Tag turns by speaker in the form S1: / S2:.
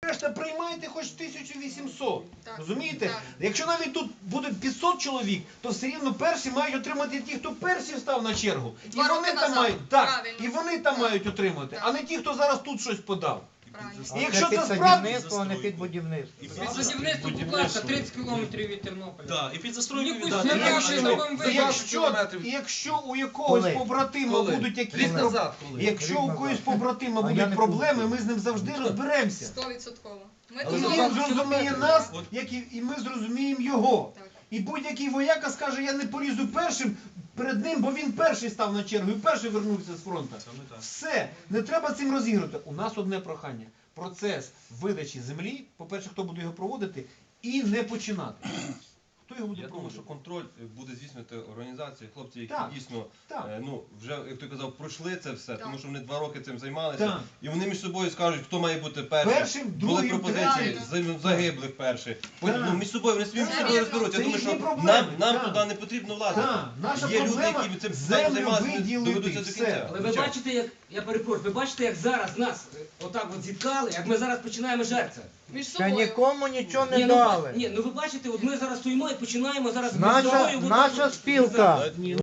S1: решта приймайте хоч 1800.
S2: Так.
S1: Розумієте?
S2: Так.
S1: Якщо навіть тут буде 500 чоловік, то все рівно перші мають отримати ті, хто перші став на чергу. І
S2: 2 роки
S1: вони там
S2: назад.
S1: мають, так,
S2: Правильно.
S1: і вони там
S2: Так.
S1: мають отримати,
S2: Так.
S1: а не ті, хто зараз тут щось подав.
S2: Правильно.
S1: І якщо
S3: під
S1: це справді...
S3: садівництво, а не під будівництво.
S4: І
S5: Під будівництво, будь ласка, 30 кілометрів від Тернополя.
S4: Так, і під застройку
S5: Ніхуй
S4: віддати.
S5: собі,
S1: І
S5: я
S1: якщо,
S5: ще зробимо
S1: і якщо у якогось
S3: Коли?
S1: побратима будуть якісь
S6: Рік назад, коли?
S1: якщо у когось побратима
S3: А я
S1: будуть
S3: не
S1: проблеми,
S3: був.
S1: ми з ним завжди розберемося.
S2: 100%. Ми
S6: Але
S1: І
S2: тут
S1: він зрозуміє нас,
S4: От.
S1: як і ми зрозуміємо його.
S2: Так.
S1: І будь-який вояка скаже, я не полізу першим перед ним, бо він перший став на чергу і перший вернувся з фронту.
S4: Саме так.
S1: Все, не треба цим розігрувати. У нас одне прохання. Процес видачі землі, по-перше, хто буде його проводити, і не починати. Хто його буде
S6: Я думаю, що
S1: проводити?
S6: контроль буде здійснювати організації, хлопці, які
S1: Так.
S6: дійсно,
S1: Так.
S6: ну, вже, як ти казав, пройшли це все,
S2: Так.
S6: тому що вони 2 роки цим займалися.
S1: Так.
S6: І вони між собою скажуть, хто має бути першим.
S1: Першим,
S6: Були
S1: другим,
S6: пропозиції
S2: третім.
S6: загиблих перших. Потім,
S1: Так.
S6: ну, між собою вони собі
S2: Це
S6: між собою розберуть. Я
S1: Це
S6: думаю,
S1: їхні
S6: що
S1: проблеми.
S6: нам
S1: Так.
S6: туди не потрібно влазити.
S1: Так, наша
S6: Є люди,
S1: проблема
S6: які цим
S1: землю
S6: займаються,
S1: виділити,
S6: доведуться до
S1: все.
S6: кінця.
S5: Але ви бачите, як, я перепрошую, ви бачите, як зараз нас отак от зіткали, як ми зараз починаємо жерця.
S2: між
S3: Ще
S2: собою.
S3: нікому нічого не
S5: Ні,
S3: дали.
S5: ну ви бачите, от ми зараз стоїмо і починаємо зараз між
S3: Наша,
S5: собою.
S3: наша спілка